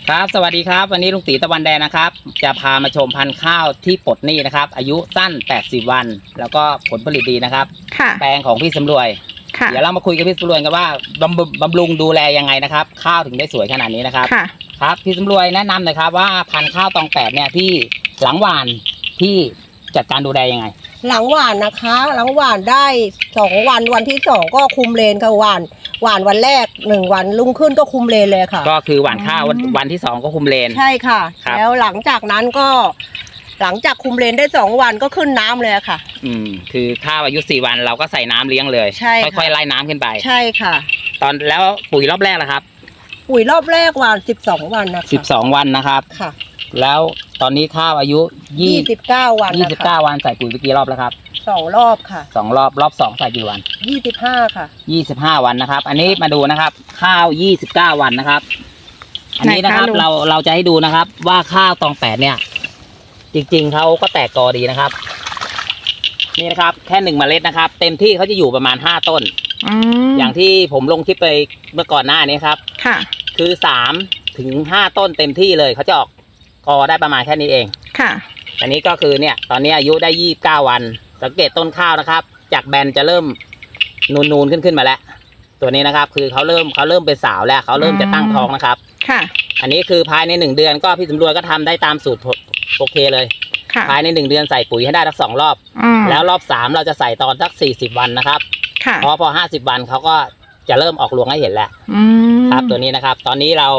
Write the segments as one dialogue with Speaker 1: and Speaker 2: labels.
Speaker 1: ครับสวัสดีครับวันนี้ลุงตีตะวันแดงนะครับจะพามาชมพันธุ์ข้าวที่ปลดหนี้นะครับอายุสั้น80วันแล้วก็ผลผลิตดีนะครับแปลงของพี่สำรวยเดี๋ยวเรามาคุยกับพี่สำรวยกันว่าบำรุงดูแลยังไงนะครับข้าวถึงได้สวยขนาดนี้นะครับครับพี่สำรวยแนะนำหน่อยครับว่าพันธุ์ข้าวตองแปดเนี่ยพี่หลังหว่านพี่จัดการดูแลยังไง
Speaker 2: หลังหวานนะคะหลังหวานได้2วันวันที่2ก็คุมเลนค่ะหวานวันแรก1วันรุ่งขึ้นก็คุมเลนเลยค่ะ
Speaker 1: ก็คือหว่านข้าววันที่2ก็คุมเลน
Speaker 2: ใช่ค่ะแล้วหลังจากนั้นก็หลังจากคุมเลนได้2วันก็ขึ้นน้ำเลยค่ะ
Speaker 1: คือข้าวอายุ4วันเราก็ใส่น้ำเลี้ยงเลย
Speaker 2: ใช่
Speaker 1: ค่อยๆไล่น้ำขึ้นไป
Speaker 2: ใช่ค่ะ
Speaker 1: ตอนแล้วปุ๋ยรอบแรกล่ะครับ
Speaker 2: ปุ๋ยรอบแรกหวาน12วันนะคะ
Speaker 1: 12วันนะครับ
Speaker 2: ค่ะ
Speaker 1: แล้วตอนนี้ข้าวอายุ
Speaker 2: 29วัน
Speaker 1: 29วันใส่ปุ๋ยไปกี่รอบแล้วครับ
Speaker 2: 2รอบค่ะ
Speaker 1: 2รอบ2ใส่กี่วัน
Speaker 2: 25ค่ะ
Speaker 1: 25วันนะครับอันนี้มาดูนะครับข้าว29วันนะครับอันนี้นะครับเราจะให้ดูนะครับว่าข้าวตองแปดเนี่ยจริงๆเขาก็แตกกอดีนะครับนี่นะครับแค่1เมล็ดนะครับเต็มที่เขาจะอยู่ประมาณ5ต้นอย่างที่ผมลงคลิปไปเมื่อก่อนหน้านี้ครับ
Speaker 2: ค่ะ
Speaker 1: คือ3 ถึง 5ต้นเต็มที่เลยเขาจะออกกอได้ประมาณแค่นี้เอง
Speaker 2: ค่ะ
Speaker 1: อันนี้ก็คือเนี่ยตอนนี้อายุได้29วันสังเกตต้นข้าวนะครับจากแบนจะเริ่มนูนขึ้นมาแล้วตัวนี้นะครับคือเขาเริ่มเป็นสาวแล้วเขาเริ่มจะตั้งท้องนะครับ
Speaker 2: ค่ะ
Speaker 1: อันนี้คือภายใน1เดือนก็พี่สำรวยก็ทำได้ตามสูตรโอเคเลยภายใน1เดือนใส่ปุ๋ยให้ได้ทั้ง2รอบแล้วรอบ3เราจะใส่ตอนสัก40วันนะครับพอ50วันเขาก็จะเริ่มออกรวงให้เห็นแล้วครับตัวนี้นะครับตอนนี้เรา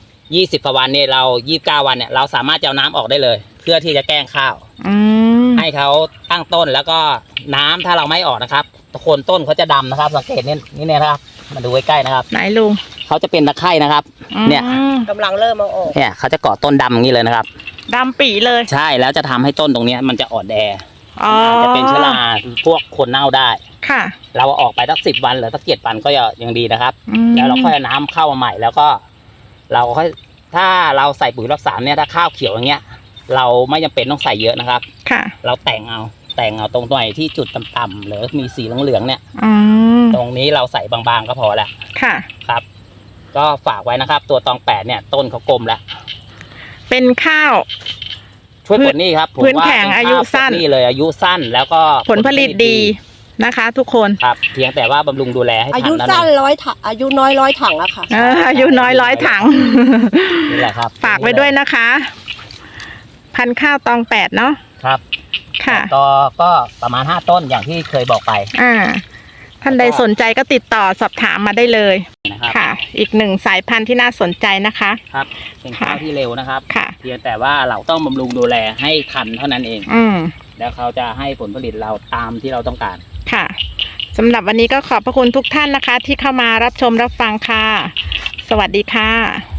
Speaker 1: 20กว่าวันเนี่ยเรา29วันเนี่ยเราสามารถจะเอาน้ำออกได้เลยเพื่อที่จะแกล้งข้าวให้เขาตั้งต้นแล้วก็น้ำถ้าเราไม่ออกนะครับโคนต้นเขาจะดำนะครับสังเกตนี่นะครับมาดูใกล้ๆนะครับ
Speaker 2: ไหนลุง
Speaker 1: เขาจะเป็นตะไคร่นะครับเนี่ย
Speaker 2: กำลังเริ่มเอาออก
Speaker 1: เนี่ยเขาจะเกาะต้นดำอย่างนี้เลยนะครับ
Speaker 2: ดำปีเลย
Speaker 1: ใช่แล้วจะทำให้ต้นตรงนี้มันจะอ่อนแอจะเป็นเชื้อราพวกคนเน่าได้
Speaker 2: ค่ะ
Speaker 1: เราออกไปสัก10วันหรือสัก7วันก็ยังดีนะครับแล้วเราค่อยเอาน้ำเข้ามาใหม่แล้วก็เราค่อยถ้าเราใส่ปุ๋ยรอบ3เนี่ยถ้าข้าวเขียวอย่างเงี้ยเราไม่จำเป็นต้องใส่เยอะนะครับ
Speaker 2: ค่ะ
Speaker 1: เราแต่งเอาตรงไหนที่จุดต่ำๆหรือมีสีเหลืองๆเนี่ยตรงนี้เราใส่บางๆก็พอแล้ว
Speaker 2: ค่ะ
Speaker 1: ครับก็ฝากไว้นะครับตัวตองแปดเนี่ยต้นเขากลมแล้ว
Speaker 2: เป็นข้าว
Speaker 1: ช่วยปลดหนี้ครับ
Speaker 2: พื้นแข็งอายุสั้น
Speaker 1: นี่เลยอายุสั้นแล้วก็
Speaker 2: ผลผลิตดีนะคะทุกคน
Speaker 1: ครับเพียงแต่ว่าบำรุงดูแลให้ทัน
Speaker 2: อายุสั้นถังอายุน้อย100ถังอะค่ะ
Speaker 3: อายุน้อย100ถัง
Speaker 1: นี่แหละครับ
Speaker 3: ฝากไว้ด้วยนะคะพันธุ์ข้าวตองแปดเนาะ
Speaker 1: ครับ
Speaker 3: ค่ะ
Speaker 1: ก็ประมาณ5ต้นอย่างที่เคยบอกไป
Speaker 3: ท่านใดสนใจก็ติดต่อสอบถามมาได้เลยค่ะอีก1สายพันธุ์ที่น่าสนใจนะคะ
Speaker 1: ครับเป็นข้าวที่เร็วนะครับ
Speaker 3: ค่ะ
Speaker 1: เพียงแต่ว่าเราต้องบำรุงดูแลให้ทันเท่านั้นเองแล้วเขาจะให้ผลผลิตเราตามที่เราต้องการ
Speaker 3: ค่ะสำหรับวันนี้ก็ขอบพระคุณทุกท่านนะคะที่เข้ามารับชมรับฟังค่ะสวัสดีค่ะ